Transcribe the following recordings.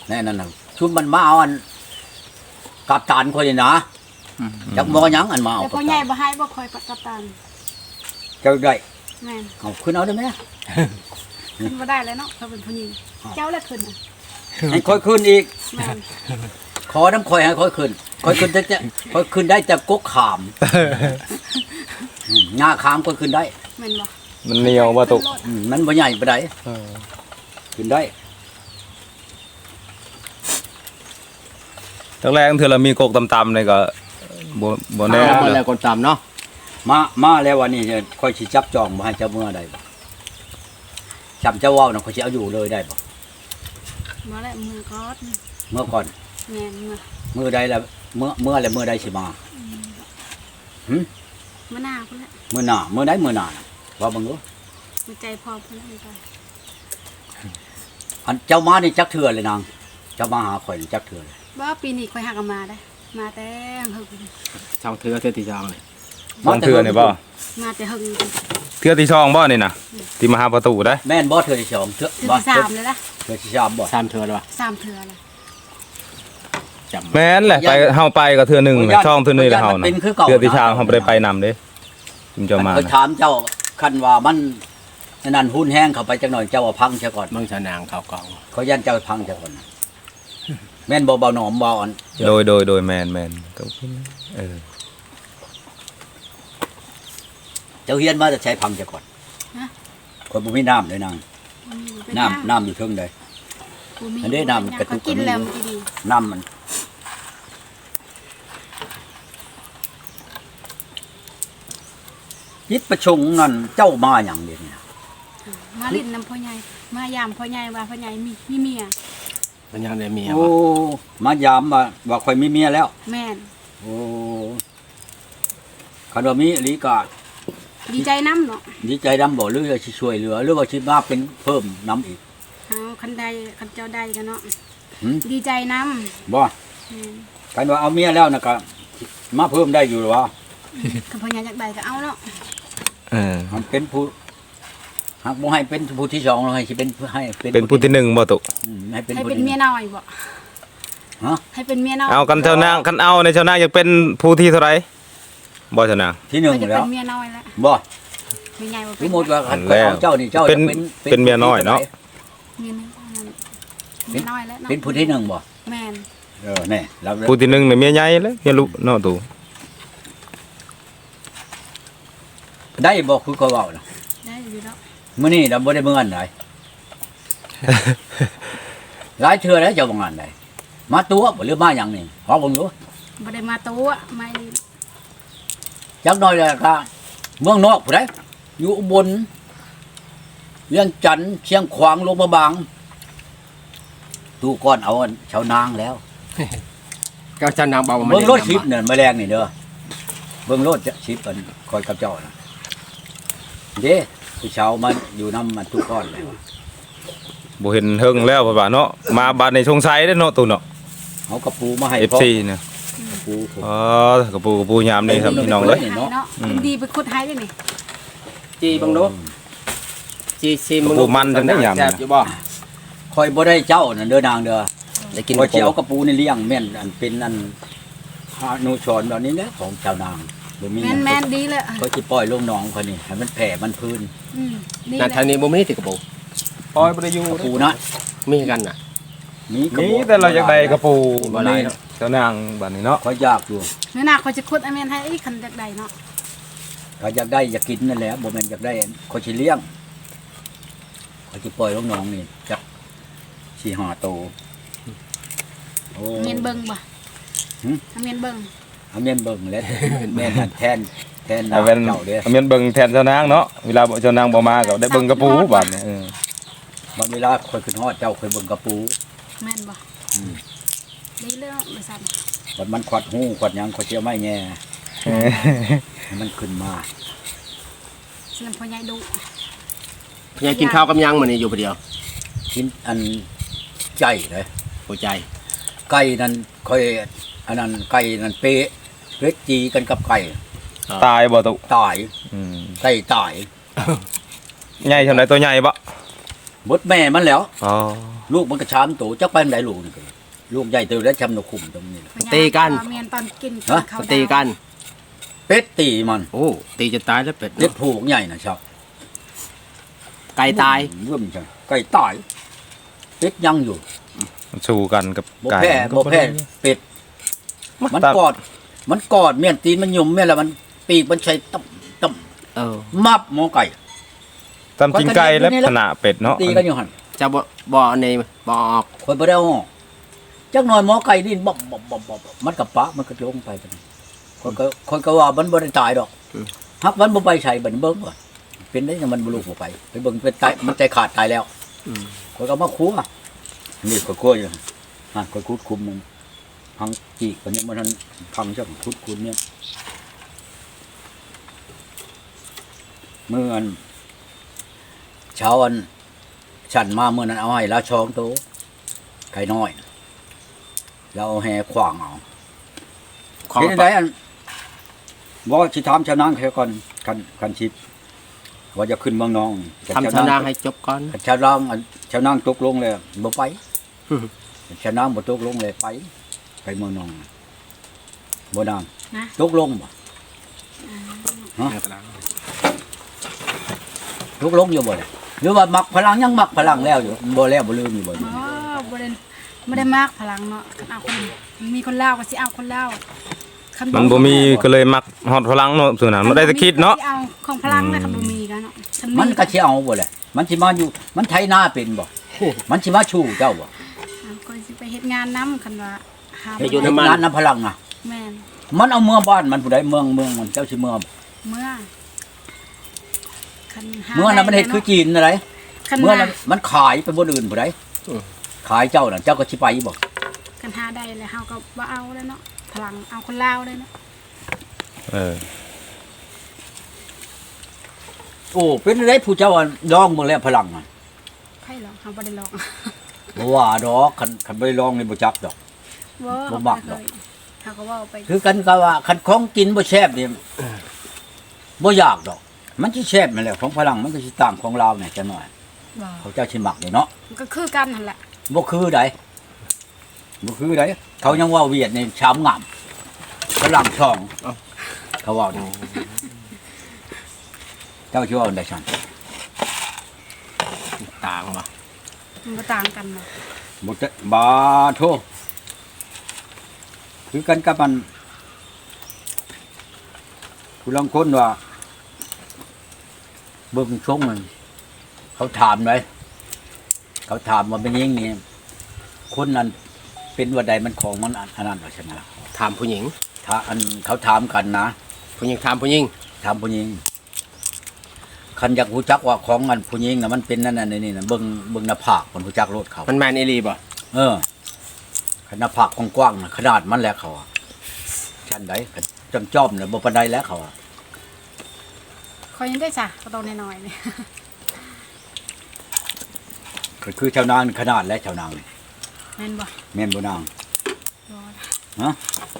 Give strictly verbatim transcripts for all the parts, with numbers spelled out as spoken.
แน่นั่นน่ะชุดมันมาเอาอันกับตานคนนี่นะจักมอยังอันมาเอาแต่พ่อใหญ่บ่ให้บ่คอยกับตันเจ้าได้แม่นเอาขึ้นเอาได้ไหมขึ้นบ่ได้แล้วเนาะเขาเป็นผู้หญิงเจ้าแล้วขึ้นน่ะให้ค่อยขึ้นอีกแม่นขอน้ำคอยให้ค่อยขึ้นค่อยขึ้นจะจะค่อยขึ้นได้แต่กกขามหน้าขามค่อยขึ้นได้แม่นบ่มันเหนียวบ่ตุอืมมันบ่ใหญ่ปานใดขึ้นได้ตั้งแรกเทื่อเรามีกกต่ำๆนี่ก็บ่บ่แน่แล้วเลคนยแล้วคนตามเนาะมามาแล้ววันนี้เนี่ยค่อยสิจับจองบ่ให้เจ้าเมื่อใดบ่จำเจ้าเว้าน่ะค่อยสิเอาอยู่เลยได้บ่บ่แล้วมือก็เมื่อก่อนแม่นมือมื้อใดแล้วเมื่อเมื่อแล้วมื้อใดสิมาหึมะนาวพุ่นแหละมื้อหน้ามื้อใดมื้อหน้าน่ะว่าเบิ่งดูหัวใจพอพุ่นแหละอันเจ้ามานี่จักเทื่อเลยนางเจ้ามาหาข่อยนี่จักเทื่อเลยบ่ปีนี้ค่อยหักกันมาได้ มาแต่หึงช่องเถือเถือที่ช่องเลยบางเทื่อนี่บ่มาแต่หึงเทื่อที่ช่องบ่นี่น่ะที่มาหาประตูได้แม่นบ่เทื่อที่สองเทื่อถือบ่ที่สามเลยนะเทื่อที่สามบ่สามเถือหรอวะสามเถื่อเลยจำแม่นแหละไปเฮาไปก็เทื่อหนึงแหละช่องเทื่อนึงแล้วเฮาน่ะเป็นคือเก่าเทื่อที่ช่างเฮาบ่ได้ไปนำเด้ถึงจะมาเคยถามเจ้าคันว่ามันอันนั่นหุ้นแห้งเข้าไปจักหน่อยเจ้าว่าพังเสียก่อนเมืองชานางเขากองเขายันเจ้าพังเสียก่อนแม่นบ่เบาหนอมบ่อันโดยโดยโดยแม่นแม่นก็เออเจ้าเฮียนมาจะใช้พังเสียก่อนคนบ่มีน้ำเลยนางน้ำน้ำอยู่เทิงใด อันนี้น้ำกระตุกกินแล้วมันดีน้ำมันยิดประชงนั่นเจ้ามาอย่างเดียวนี่นะมาลิ้นน้ำพ่อใหญ่มายามพ่อใหญ่ว่าพ่อใหญ่มีมีเมียมันยังได้เมียโอ้วะมายามว่าว่าข่อยมีเมียแล้วแม่นโอ้คันว่ามีอีหลีก็ดีใจน้ำเนาะดีใจดำบ่หรือว่าสิช่วยเหลือหรือว่าสิมาเป็นเพิ่มน้ำอีกเอาคันใดคันเจ้าใดกันเนาะหืมดีใจน้บ่ำแม่นคันว่าเอาเมียแล้วนะก็มาเพิ่มได้อยู่หรอวะคันพ่อใหญ่อยากใดก็เอาเนาะเออมันเป็นผู้หากบ่ให้เป็นผู้ที่สองเราให้สิเป็นให้เป็นผู้ที่หนึ่งบ่ตุอืมให้เป็นให้ผู้เป็นที่เมียน้อยบ่ฮะให้เป็นเมียน้อยเอากันเจ้านางกันเอาในเจ้านางอยากเป็นผู้ที่เท่าไหร่บ่เจ้านางที่หนึ่งก็จะแล้เป็วนเมียน้อยแล้วบ่ไม่ใหญ่บ่สเป็นมมุติว่าคันแล้วเอาเจ้านี่เจ้าเป็นจะเป็นเมียน้อยเนาะเมียน้อยนั่นเมียน้อยแล้วเนาะเป็นผู้ที่หนึ่งบ่แม่นเออแน่เราผู้ที่หนึ่งเนี่ยเมียใหญ่เลยเมียลูกเนาะตูได้บ่คือเขาเว้าน่ะได้อยู่แล้วมื้อนี้เราบ่ได้เบิ่งอันใด หลายเทื่อแล้วเจ้าบ่งานใดมาตัวบ่หรือมาหยังนี่ขอเบิ่งดูบ่ได้มาตัวไม่จักหน่อยแล้วก็เมืองนอกผู้ใดอยู่อุบลเวียงจันทน์เชียงขวางลงมาบางตู้ก้อนเอาอันชาวนางแล้วเจ้าชานางเบาเบิ่งรถชิปเนี่ยแมลงนี่เด้อเบิ่งรถชิปอันคอยกับเจ้าน่ะเด้ผู้ชาวมันอยู่นำมันตู้ก้อนเลยบ่เห็นเฮิงแล้วพ่อบ่าเนาะมาบาดในสงสัยเด้อเนาะตูเนาะเอากระปูมาให้เอฟพ่อซีเนี่ยกระปูผมอ๋อกระปูกระปูยามนี่ครับพี่น้องเลยให้เนาะอืมดีไปขุดให้ได้นี่จีบังดูจีซีมึงกระปูมันจังได้ยามแซ่บอยู่บ่คอยบ่ได้เจ้านั่นเด้อนางเด้อได้กินคอยสิเอากระปูนี่เลี้ยงแม่นอันเป็นอันอนุชรแบบนี้แหละของชาวนางบ่มีแม่นแม่นดีเลยเขาสิปล่อยลงหนองเขานี่ให้มันแผ่มันพื้นอืมดีนั่นเลทางยนี้บ่มีติกระปูปล่อยบ่ได้อยู่กระปูนะมีกันน่ะมีกระนี่บอกแต่เราอยากได้กระปูบ่หลายเนาะเจ้านางบัดนี้เนาะเขาอยากอยู่เนื้อหนาเขาจะขุดไอ้แม่นให้ไอ้คันจากใดเนาะเขาอยากได้อยากกินนั่นแหละบ่แม่นอยากได้เขาสิเลี้ยงเขาสิปล่อยลงหนองนี่จักสี่ห้าโตวโอ้เมียนเบิ่งบ่หืมเมียนเบิ่งเอาแม่นเบิ่งแล้วแม่นนั่นแทนแทนนาเอาเป็นเจ้าเด้อเอาเป็นเบิ่งแทนเจ้านางเนาะเวลาเจ้านางบ่มาก็ได้เบิ่งกระปูบัดนี้เออบางเวลาคอยขึ้นฮอดเจ้าเคยเบิ่งกระปูแม่นบ่อืมดีเลยเนาะบ่ซั่นบัดมันขวัดหูขวัดหยังขวัดเจียวไม้แง่ให้มันขึ้นมาสิลำพ่อใหญ่ดุพยายกินข้าวกับยังมื้อนี้อยู่ผู้เดียวกินอันใจเลยหัวใจไก่นั่นค่อยอันนั้นไก่นั่นเป๊ะเล็กจีกันกับไก่ตายบ่ตุตายอืมไก่ตายใหญ่เท่าไหร่ตัวใหญ่บ่บดแม่มันแล้วอ๋อลูกมันก็ชามโตจักไปไหนลูกนี่ก็ลูกใหญ่เติบแล้วชำนคุมตรงนี้พ่อใหญ่ตีกันเมียนตอนกินฮะข้าวดาวตีกันเป็ดตีมันโอ้ตีจะตายแล้วเป็ดเล็กผูกใหญ่นะชอบไก่ตายเรื่องจังไก่ตายเป็ดยังอยู่สู้กันกับบ่ไก่แพ้บ่แพ้เป็ดมันกอด มันกอดเมียนตีนมันยุ่มแม่แล้วมันปีกมันใช้ตับตับเออมับหมอไก่ตำกินไก่และขนาดเป็ดเนาะตีกันอยู่หั่นจะบ่บ่ในบ่ออกคอยบ่ได้เอาออกจักหน่อยหมอไก่นี่บ๊อบบ๊อบบ๊อบบ๊อบมันกับปะมันก็ลงไปบัดนี้คนก็คนก็ว่ามันบ่ได้ตายดอกฮักมันบ่ไปใส่บัดนี้เบิ่งก่อนเป็นได้ยังมันบ่ลูกบ่ไปไปเบิ่งเป็นตายมันใจขาดตายแล้วอืมคนก็มาคั่วนี่ก็คั่วอยู่ฮะคนคุดคุมมันพังจีกวันนี้มันทันพังจังคุดคุมเนี่ยเมื่ออันเช้าอันฉันมาเมื่อนั้นเอาให้แล้วช้องโตไก่น้อยแล้วเอาแห่ขวางเอาของเห็นได้อันว่าชิถามชาวนางแค่ก่อนคันคันชิปว่าจะขึ้นเมืองน้องทำชนะให้จบก่อนคันชาวนางอันชาวนางตกลงเลยบ่ไปอืมชาวนางบ่ตกลงเลยไป ไปเมืองน้องบ่นางนะตกลงบ่ฮะตกลงอยู่บ่เลยหรือว่ามักพลังยังมักพลังแล้วอยู่บ่แล้วบ่ลืมอยู่บ่อ๋อบ่ได้บ่ได้มากพลังเนาะคันเอาคนมีคนลาวก็สิเอาคนลาวคัมันบ่มีก็เลยมักฮอดพลังเนาะส่วนนั้นบ่ได้แต่คิดเนาะสิเอาของพลังนะคันบ่มีกันเนาะคัมันก็สิเอาบ่แหละมันสิมาอยู่มันไถนาเป็นบ่มันสิมาชูเจ้าบ่เอาก็สิไปเฮ็ดงานนํคันว่าหาให้อยู่ในมันงานน้ำพลังอ่ะแม่นมันเอาเมืองบ้านมันผู้ใดเมืองเมืองมันเจ้าสิเมืองเมื่อคันหาเมืองนั้นมันเฮ็ดคือจีนอะไรคันเมืองหานั้นมันขายไปบ่อื่นผู้ใดอืมขายเจ้าน่ะเจ้าก็สิไปบ่คันหาได้แล้วเฮาก็บ่เอาแล้วเนาะพลังเอาคนลาวเลยเนาะเออโอ้เป็นอะไรผู้เจ้าอะลองเบิ่งแล้วพลังอ่ะไผหรอกเฮาบ่ได้ลองบ่ว่าดอกคันคันบ่ได้ลองนี่บ่จักดอกบ่บ่มักดอกเฮาก็เว้าไปคือกันก็ว่าคันของกินบ่แซ่บนี่บ่อยากดอก มันสิแซ่บนั่นแหละของพลังมันก็สิต่างของลาวเนี่ยจังหน่อยบ่เขาเจ้าสิมักนี่เนาะมันก็คือกันนั่นแหละบ่คือใดบ่คือใดเขายังว่าเวียดนี่ชามงามพลังช่องเอ้าเขาว่านี่เจ้าชื่อว่าอันใดซั่นต่างบ่มันบ่ต่างกันเนาะบ่จะบาโทคือกันกับมันผู้ลางคนว่าเบิ่งชงมันเขาถามไว้เขาถามว่าเป็นยังนี่คนนั้นเป็นว่าใดมันของมันอันอันนั้นว่าใช่ไหมล่ะถามผู้หญิงถ้าอันเขาถามกันนะผู้หญิงถามผู้หญิงถามผู้หญิงคันอยากรู้จักว่าของมันผู้หญิงน่ะมันเป็นนั่นน่ะนี่น่ะเบิ่งเบิ่งหน้าผากคนรู้จักรถเขามันแมนอีหลีบ่เออขนาดผากกว้างๆน่ะขนาดมันแล้วเขาอะชั้นใดจำจ้อมๆน่ะบ่ปานใดแล้วเขาอะคอยยังได้จ้ะก็ต้องน้อยๆนี่ก็คือชาวนางขนาดและชาวนางนี่แม่นบ่แม่นบ่นางบ่ฮะบ่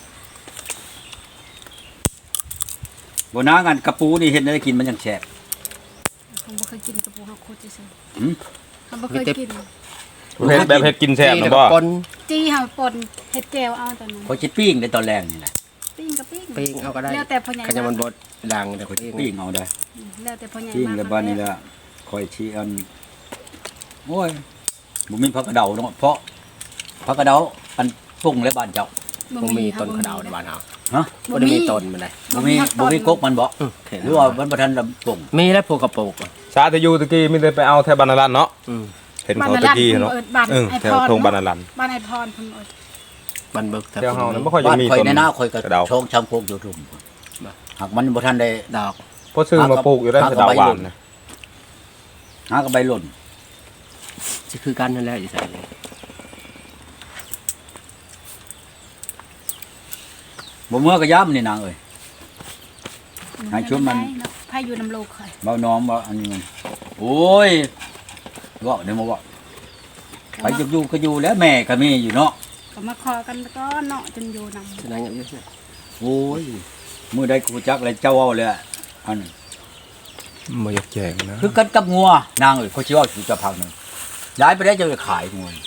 บ่นางอันกระปูนี่เห็นได้กินมันยังแซ่บผมบ่เคยกินกระปูเฮาโคตรซื่อหืมๆผมบ่เคยกินเฮ็ดแบบเฮ็ดกินแซ่บนะบ่ปนจี้เฮาป่นเฮ็ดแจ่วเอาตอนนั้นเขาสิปิ้งในตอนแรกนี่แหละปิ้งก็ปิ้งปิ้งเอาก็ได้แล้วแต่พ่อใหญ่ขยำมันบดดังเดี๋ยวเขาสิปิ้งปิ้งเอาได้อืมแล้วแต่พ่อใหญ่ปิ้งมากแล้วบ้านนี้ละคอยชี้อันโอ้ยบ่มีผักกระเดาเนาะเพราะผักกระเดาอันปรุงและบ้านเจ้าบ่มีต้นกระเดาในบ้านเฮาฮะบ่ได้มีต้นมันได้บ่มีบ่มีกกมันบ่อืมเห็นหรือว่ามันบ่ทันลำปรุงมีแล้วพวกกระโปรงอะชาติอยู่ตะกี้มีแต่ไปเอาแถวบรรณรัตน์เนาะอืมเห็นเขาตะกี้เนาะบ้านเออไอแถพวรทงบรรณรัตน์บ้านไอพรเพิ่นเอิ้นมันเบิกแถวเฮานั้นบ่ค่อยจะบ้านมีข่อยต้นในหน้าข่อยก็กระเดาชงชำโพกอยู่ทุ่มหากมันบ่ทันได้ดอกเพราะซื้อมาปลูกอยู่ได้หาสะกับเดาใบหวาหล่นนนะหากับใบหล่นสิคือกันนั่นแหละอยู่ใส่บ่เมื่อก็ย้ำนี่นางเอ้ย ให้ชุบมันไผอยู่น้ำโลกค่อยเบาน้อมว่าอันนี้มันโอ้ยเว่าเดี๋ยวมาเว่าไปจะอยู่ก็อยู่แล้วแม่ก็มีอยู่เนาะก็มาขอกันแล้วก็เนาะจนอยู่นำฉะนั้นอย่างนี้โอ้ยมื้อใดกูจักเลยเจ้าเว้าเลยอะอันบ่อยากแจกนะคือกันกับงัวนางเอ้ยเขาสิเว้าสู่เจะพังหนึงย้ายไปได้จะไปขายมวย